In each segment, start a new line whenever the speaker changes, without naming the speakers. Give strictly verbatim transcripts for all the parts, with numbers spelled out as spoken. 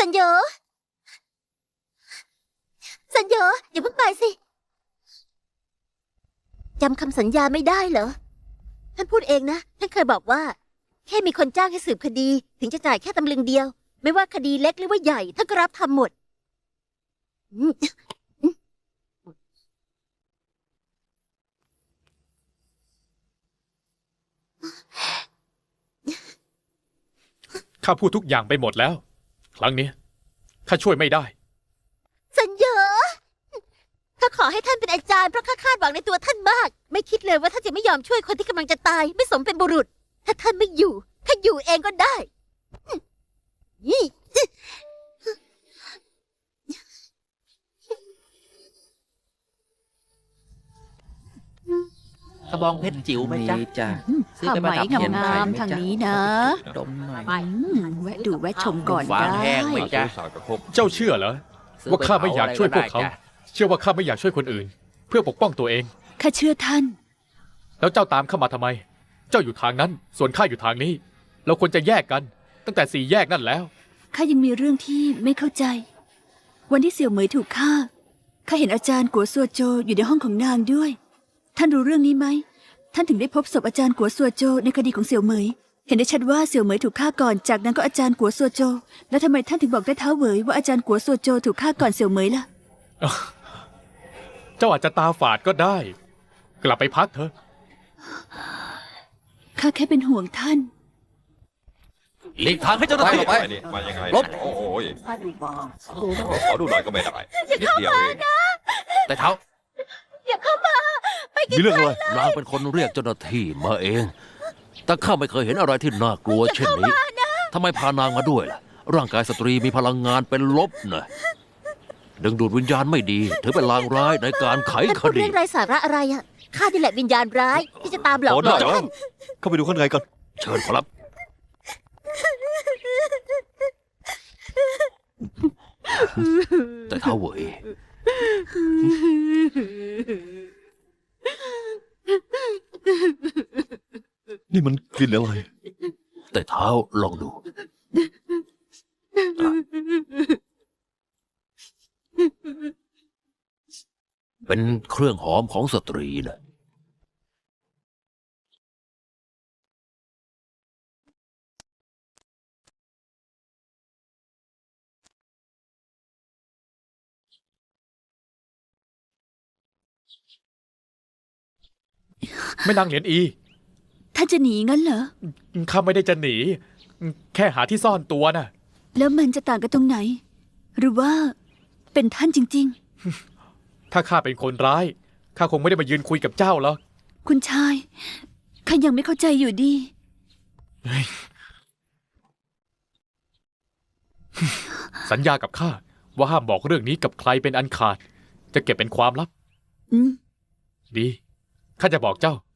สัญญาสัญญาอย่าเพิ่งไปสิจำคำสัญญาไม่ได้เหรอท่านพูดเองนะท่านเคยบอกว่าแค่มีคนจ้างให้สืบคดีถึงจะจ่ายแค่ตำลึงเดียวไม่ว่าคดีเล็กหรือว่าใหญ่ท่านก็รับทำหมด
ข้าพูดทุกอย่างไปหมดแล้วครั้งนี้ข้าช่วยไม่ได้
สัญญาข้าขอให้ท่านเป็นอาจารย์เพราะข้าคาดหวังในตัวท่านมากไม่คิดเลยว่าท่านจะไม่ยอมช่วยคนที่กำลังจะตายไม่สมเป็นบุรุษถ้าท่านไม่อยู่ข้าอยู่เองก็ได้
กระบองเพชรจิ๋วไหมจ๊ะ
จ้ะ
ซื้อไปประดับ
ผ้า
เทียน
ไหม
ไข่
งาม
ไหม
ๆทาง
จ๊ะ
นี้นะ
ดมหน่อย
อืมแวะดูแวะชมก่อน
ฟาง
ได้
แห้งไหมจ๊ะ
เจ้าเชื่อเหรอว่าข้าไม่อยากช่วยพวกเขาเชื่อว่าข้าไม่อยากช่วยคนอื่น เพื่อปกป้องตัวเอง
ข้าเชื่อท่าน
แล้วเจ้าตามเข้ามาทำไม เจ้าอยู่ทางนั้นส่วนข้าอยู่ทางนี้เราควรจะแยกกันตั้งแต่สี่แยกนั่นแล้ว
ข้ายังมีเรื่องที่ไม่เข้าใจ วันที่เสี่ยวเหมยถูกฆ่าข้าเห็นอาจารย์กัวซัวโจอยู่ในห้องของนางด้วย ท่านรู้เรื่องนี้ไหมท่านถึงได้พบศพอาจารย์กัวซัวโจในคดีของเสี่ยวเหมยเห็นได้ชัดว่าเสี่ยวเหมยถูกฆ่าก่อนจากนั้นก็อาจารย์กัวซัวโจแล้วทำไมท่านถึงบอกได้เท้าเหวยว่าอาจารย์กัวซัวโจถูกฆ่าก่อนเสี่ยวเหมยล่ะ
เจ้าอาจจะตาฝาดก็ได้ กลับไปพักเถอะ
ข้าแค่เป็นห่วงท่าน
หลีกทางให้เจ้าหน้าที่
ไป
นี่มายังไง
ลบ
โอ้โหยขอดูหน่อยก็ไม่ได้นิดเดียวเอง
แต่เท้า
มีเรื่องอะไร
นางเป็นคนเรียกเจ้าหน้าที่มาเอง แต่ข้าไม่เคยเห็นอะไรที่น่ากลัวเช่นนี้ทำไมพานางมาด้วยล่ะ ร่างกายสตรีมีพลังงานเป็นลบนะดึงดูดวิญญาณไม่ดีถือเป็นลางร้ายในการไข
ท่าน
ค
พูด
ดี
เรื่องไร้สาระอะไรอะข้านี่แหละวิญญาณร้ายที่จะตามหลอก
โอ้
หล
ได้
อน
เหรอ
ท่าน
เข้าไปดูข้างในก่อน
เชิญครับ แต่เท้าเหวย
นี่มันกลิ่นอะไร
แต่เท้าลองดู เป็นเครื่องหอมของสตรีนะ
ไม่นางเหรียญอี
ท่านจะหนีงั้นเหรอ
ข้าไม่ได้จะหนี แค่หาที่ซ่อนตัวน่ะ
แล้วมันจะต่างกันตรงไหน หรือว่าเป็นท่านจริง
ถ้าข้าเป็นคนร้ายข้าคงไม่ได้มายืนคุยกับเจ้าหรอก
ๆ คุณชายข้ายังไม่เข้าใจอยู่ดี
สัญญากับข้าว่าห้ามบอกเรื่องนี้กับใครเป็นอันขาด จะเก็บเป็นความลับ
อืม
ดีข้าจะบอกเจ้า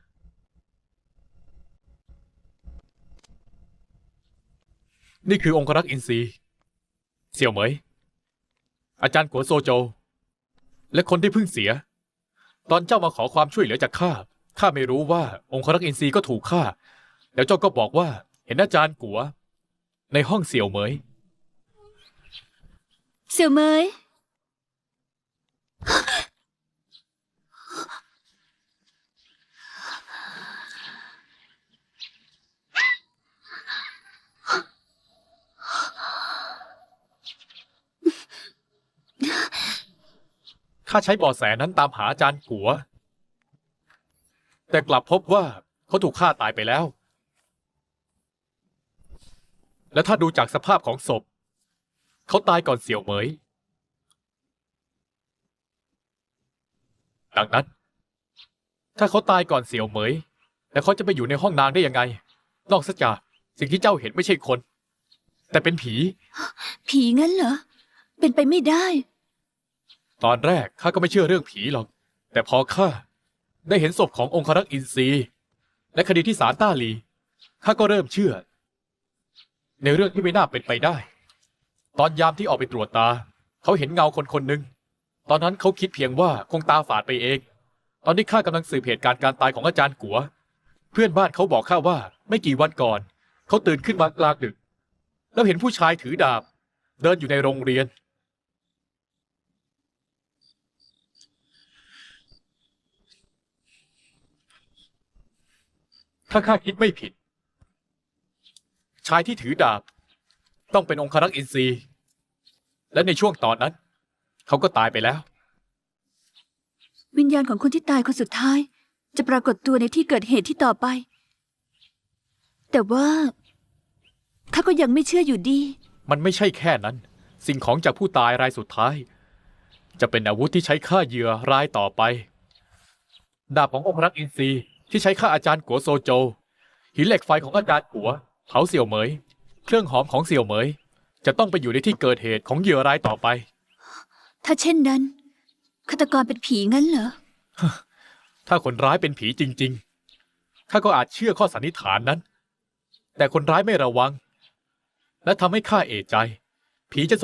นี่คือองครักษ์อินทรีเสี่ยวเหมย อาจารย์กัวโซโจ และคนที่เพิ่งเสีย ตอนเจ้ามาขอความช่วยเหลือจากข้าข้าไม่รู้ว่าองครักษ์อินทรีก็ถูกฆ่าแล้วเจ้าก็บอกว่าเห็นอาจารย์กัว ในห้องเสี่ยวเหมย
เสี่ยวเหมย
ข้าใช้เบาะแสนั้นตามหาอาจารย์กัว แต่กลับพบว่าเขาถูกฆ่าตายไปแล้ว และถ้าดูจากสภาพของศพ เขาตายก่อนเสี่ยวเหมย ดังนั้น ถ้าเขาตายก่อนเสี่ยวเหมย แล้วเขาจะไปอยู่ในห้องนางได้ยังไง นอกจากสิ่งที่เจ้าเห็นไม่ใช่คน แต่เป็นผี
ผีงั้นเหรอ เป็นไปไม่ได้
ตอนแรกข้าก็ไม่เชื่อเรื่องผีหรอก แต่พอข้าได้เห็นศพขององครักษ์อินทรีและคดีที่ศาลต้าหลีข้าก็เริ่มเชื่อ ในเรื่องที่ไม่น่าเป็นไปได้ ตอนยามที่ออกไปตรวจตา เขาเห็นเงาคนคนหนึ่งตอนนั้นเขาคิดเพียงว่าคงตาฝาดไปเอง ตอนที่ข้ากำลังสืบเหตุการณ์การตายของอาจารย์กัว เพื่อนบ้านเขาบอกข้าว่าไม่กี่วันก่อน เขาตื่นขึ้นมากลางดึก แล้วเห็นผู้ชายถือดาบเดินอยู่ในโรงเรียน ถ้าข้าคิดไม่ผิด ชายที่ถือดาบ ต้องเป็นองครักษ์อินทรีย์และในช่วงตอนนั้น เขาก็ตายไปแล้ว
วิญญาณของคนที่ตายคนสุดท้าย จะปรากฏตัวในที่เกิดเหตุที่ต่อไป แต่ว่าข้าก็ยังไม่เชื่ออยู่ดี
มันไม่ใช่แค่นั้น สิ่งของจากผู้ตายรายสุดท้าย จะเป็นอาวุธที่ใช้ฆ่าเหยื่อรายต่อไป ดาบขององครักษ์อินทรีย์ที่ใช้ฆ่าอาจารย์กัวโซโจ หินเหล็กไฟของอาจารย์กัวเผาเสี่ยวเหมย เครื่องหอมของเสี่ยวเหมย จะต้องไปอยู่ในที่เกิดเหตุของเหยื่อรายต่อไป
ถ้าเช่นนั้นฆาตกรเป็นผีงั้นเหรอ
ถ้าคนร้ายเป็นผีจริงๆ ข้าก็อาจเชื่อข้อสันนิษฐานนั้น แต่คนร้ายไม่ระวัง และทำให้ข้าเอะใจ ผีจะ